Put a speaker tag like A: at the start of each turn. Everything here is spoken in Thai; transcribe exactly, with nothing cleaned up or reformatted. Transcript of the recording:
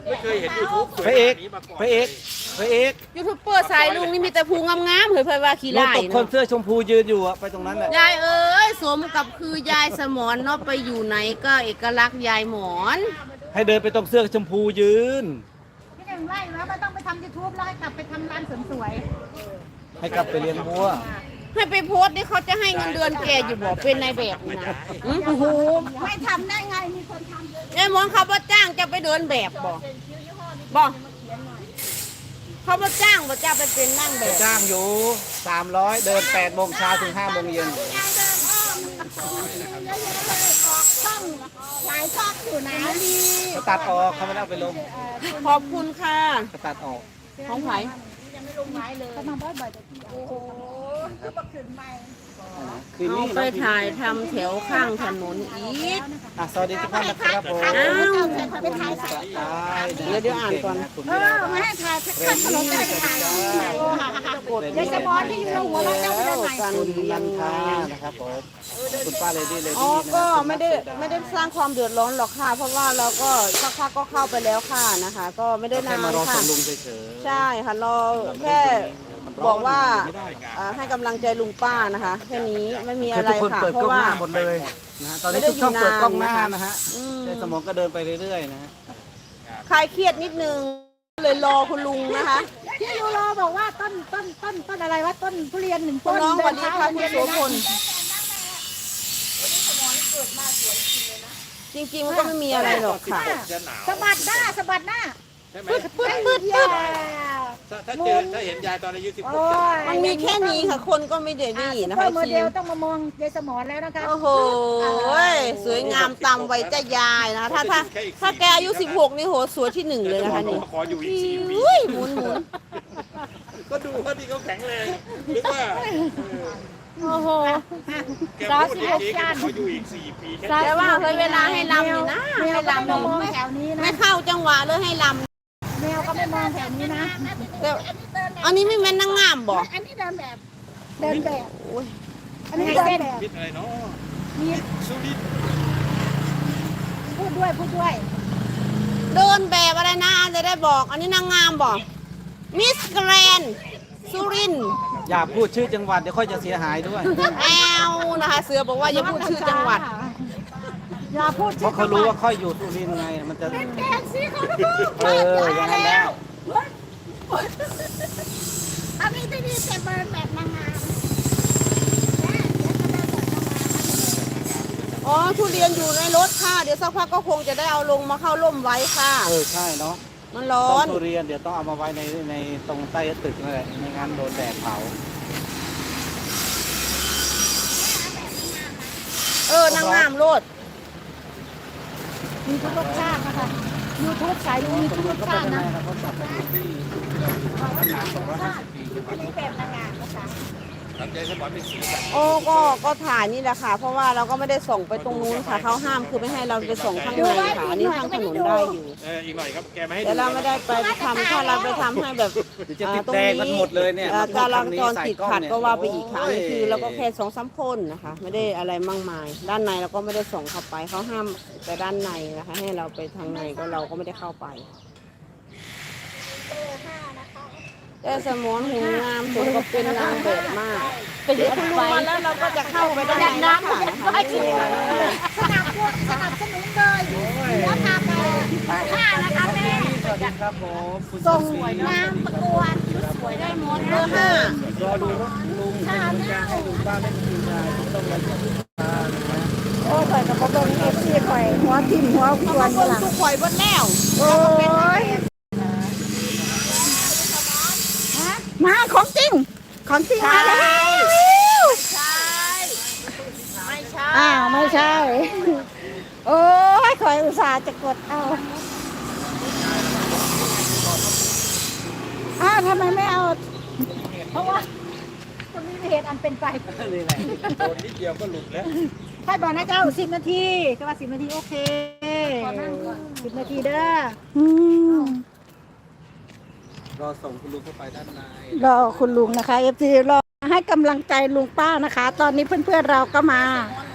A: ไม่เคยเห็นยูทูบสวย
B: พระเอก
A: แบบนี้มาก่อน
B: พระเอกพระเอก
C: ยูทูบเบอร์สายลุงนี่มีแต่ภูงามๆเผยเผยว่าขี้
B: รถ
C: ไล่
B: ตกคน
C: เนาะ
B: เสื้อชมพูยืนอยู่อะไปตรงนั้นแหละ
C: ยายเอ้ยสมกับคือยายสมอนเนาะไปอยู่ไหนก็เอกลักษณ์ยายหมอน
B: ให้เดินไปตรงเสื้อชมพูยืน
D: พี่หนึ่งไล่แล้วมันต้องไปทำยูทูบแล้วให้กลับไปทำร้านเสริมสวย
B: ให้กลับไปเลี้ยงวัว
C: ให้ไปโพสต์นี่เขาจะให้เงินเดือนแกอยู่บ่เป็นในแบบนี่นะอื้อโอ้โห
D: ไม่ทำได้ไงมีคนทำเยอะ
C: ยายหมอนเขาบ่จ้างจะไปเดินแบบบ่บ่เขาบ่จ้างบ่จะไปเป็นนั่งแบ
B: ไป
C: บ
B: จ้างอยู่สามร้อยเดินแปดโมงเช้าถึงห้าโมงเย็น
D: ยายเดินอ้อมเยอะๆเลยออกช่องหลายช่องอยู่นะดี
B: เขาตัดออกเขาไม่ได้เอาไปลง
C: ขอบคุณค่ะ
B: เขาตัดออก
C: ของไผ
D: ยังไม่ลงไม้เลยเขามาบ่อยๆแต่ที่โอ้โหคือบักขึ้นใหม่
B: คืน
C: เอา
B: นี้
C: ไปถ่ายทำแถวข้างถนนอีก
B: อ่ะสวัสดีทุกท่านนะครับผม
C: อ้าว
D: ไปถ่าย
B: เดี๋ยวเดี๋ยวอ่านก่อน
D: เออมาให้ถ่ายข้างถนนจะไปถ่ายยายสมอนที่อยู่หัวเราะเจ้าไปไหน
C: กัน
B: คุณ
C: เลี้ย
B: นั
C: ง
B: นทานะครับผมคุณป้าเลดี้เล
C: อ๋อ
B: ดี้
C: ก็ไม่ได้ไม่ได้สร้างความเดือดร้อนหรอกค่ะ เพราะว่าเราก็สักพักก็เข้าไปแล้วค่ะนะคะ ก็ไม่ได้
B: แค่
C: นาน
B: มารอส่
C: ค่ะ
B: งลุงเฉย
C: ใช่ค่ะเราแค่บอกว่าอ่าให้กำลังใจลุงป้านะคะแค่นี้ไม่มี
B: ๆ
C: อะไร
B: ทุกคน
C: ค่ะ
B: เปิด
C: เพ
B: กล้อง
C: ราะว่า
B: หน้าหมดเลยนะฮะตอนนี้
C: ไม่ได้
B: ทุกช่อง
C: อยู่
B: เปิดกล้องห
C: นาน
B: น้า
C: นะคะ
B: นะฮะ
C: อืม
B: แต่สมองก็เดินไปเรื่อยๆนะฮะ
C: คลายเครียดนิดนึงเลยรอคุณลุงนะคะ
D: พี่ยูโรบอกว่าต้นต้นต้นต้นอะไรวะต้นทุเรียนหนึ่ง
C: คุ
D: ต้
C: ณ
D: น
C: น้องสวัสดีค่ะคุณโสพลจริงๆมันก็ไม่มีอะไรหรอกค่ะ
A: จะหนาว
D: สะบัดหน้าสะบัดหน้า
A: ใช่ไหม
D: ปึ๊ดปึ๊ดปึ๊ดปึ๊ด
A: ถ้าถ้าเจอถ้าเห็นยายตอนอายุสิบห
D: โอ้
A: ก
D: ย
C: มันมีแค่นี้ค่ะ คนก็ไม่ได้นี่นะ
D: ซุปเปอ
C: คะ
D: ร์โมเดลต้องมามองยายสมอนแล้วนะคะ
C: โอ้โหสวยงามตามวัยจะยายนะคะถ้าถ้าถ้าแกอายุสิบหกนี่โหสวยที่หนึ่งเลยนะคะนี่
A: ขออยู่อีกสี่ปี
C: อุ้ยหมุนหมุน
A: ก็ดูว่าที่เขาแข็งแรงหรือว่า
C: โอ้โห
A: แกพูดจริงๆขออยู่อีกสี่ปีแค่
C: แต่ว่าเคยเวลาให้ลำนี่นะ
D: แม
C: ให้
D: วก็
C: ลำ
D: ไม่มอง
C: ไม่
D: แถวนี้นะ
C: ไม่เข้าจังหวะเลยให้ล
D: แมวก็ไม่มองแถวนี้นะ
C: ำแต่อันนี้ไม่แม่นนางงามบอก
D: อันนี้เดินแบบ เดินแบบ
C: โอ้ย
D: อันนี้เดินแบบ
A: คิดอะไรเนาะ
D: มี
A: สุรินทร์
D: พูดด้วยพูดด้วย
C: เดินแบบอะไรนะจะได้บอก อันนี้นางงามบอกมิสแกรนสุรินทร์
B: อย่าพูดชื่อจังหวัดเดี๋ยวค่อยจะเสียหายด้วย
C: แอลนะคะเสือบอกว่าอย่าพูดชื่อจังหวัด
D: อย่าพูด
B: เพ
D: ชื่อ
B: ราะเขารู้ว่าค่อยอยู่สุรินทร์ไงมันจะ
D: แกงสิเขาดู
B: เอออย่างนั้นแล้ว
D: อันนี้ที่นี่จะเดินแบบนางงาม
C: อ๋อทุเรียนอยู่ในรถค่ะ เดี๋ยวสักพักก็คงจะได้เอาลงมาเข้าร่มไว้ค่ะ
B: เออใช่เนาะ
C: มันร้อ
B: ต้
C: น
B: นทุเรียนเดี๋ยวต้องเอามาไว้ในในตรงใต้ตึกนั่นแหละไม่งั้นโดนแดดเผา
C: เออนางงามโลด
D: มีทุกรสชาตินะคะยูทูบสายลุงมีทุกรสชาตินะอันนี้แบบนางงามนะคะ
A: ทำใจสมอนเป็นสีสัน
C: โอ้ก็ก็ถ่ายนี่แหละค่ะ เพราะว่าเราก็ไม่ได้ส่งไปตรงนู้นค่ะเขาห้ามคือไม่ให้เราไปส่งข้างในค่ะอันนี้ทางถนนได้อยู่
A: เอออีกหน่อยครับแกไม่ให้
C: แต่เราไม่ได้ไปทำถ้าเราไปทำให้แบบ
B: เดี๋ยวจะติดแดงกันหมดเลยเนี่ย
C: อ่า
B: มาพู
C: จ
B: ด
C: รา
B: คำนี้
C: จร
B: ใส่
C: ติด
B: กล้อง
C: ขัด
B: เนี่ย
C: ก็ว่าไปอีกค่ะอันนี้คือ
B: โย
C: เราก็แค่สองสามคนนะคะ ไม่ได้อะไรมากมาย ด้านในเราก็ไม่ได้ส่งเข้าไปเขาห้ามแต่ด้านในนะคะ ให้เราไปทางในก็เราก็ไม่ได้เข้าไปแต่สมอนหูงามผมก็เป็นนางแบบมากไปเดี๋ยวคุณลุงมาแล้วเราก็จะเข้าไปด้านในนะคะนะคะไม่เป็นไร
D: สนับสนุนสนับสนุนเลยแล้วทำเลยค่านะคะแม่
B: สวัสดีครับผมคุณ
D: ส่ง
B: สวย
D: งานประกวดชุดสวยได้หมด
C: เบอร์ห้าร
B: อดูรถลุงเป็นกำลังใจให้ลุงป้าได้ทีมงานต้องมาจากลุงป้านะครับ
D: โอ้ข่อยกับบ่เบิ่งเอฟซีข่อยหัวทิ่มหัวค
C: เขา
D: ว
C: มาร เบิ่ง
D: หลัง
C: ทุกข่อยเบนแล้ว
D: โอ้ยมาของจริง ของจริงมาแล้ว
C: ใช่ไม่ใช่
D: อ้าวไม่ใช่ โอ้ยข่อยอุตส่าห์จะกดเอาอ้าวทำไมไม่เอา เพราะว่าคนนี้ไม่เห็นอันเป็นไป
B: นี่แหละ
A: โดนนิดเดียวก็หลุดแล้ว
D: ให้บอกนะเจ้าสิบนาทีก็ว่าสิบนาทีโอเคสิบนาทีเด้ออืม
B: รอส่งคุณลุงเข้าไปด้านใน
D: รอคุณลุงนะคะเอฟซีรอให้กำลังใจลุงป้านะคะ ตอนนี้เพื่อนๆเราก็มา
C: มอน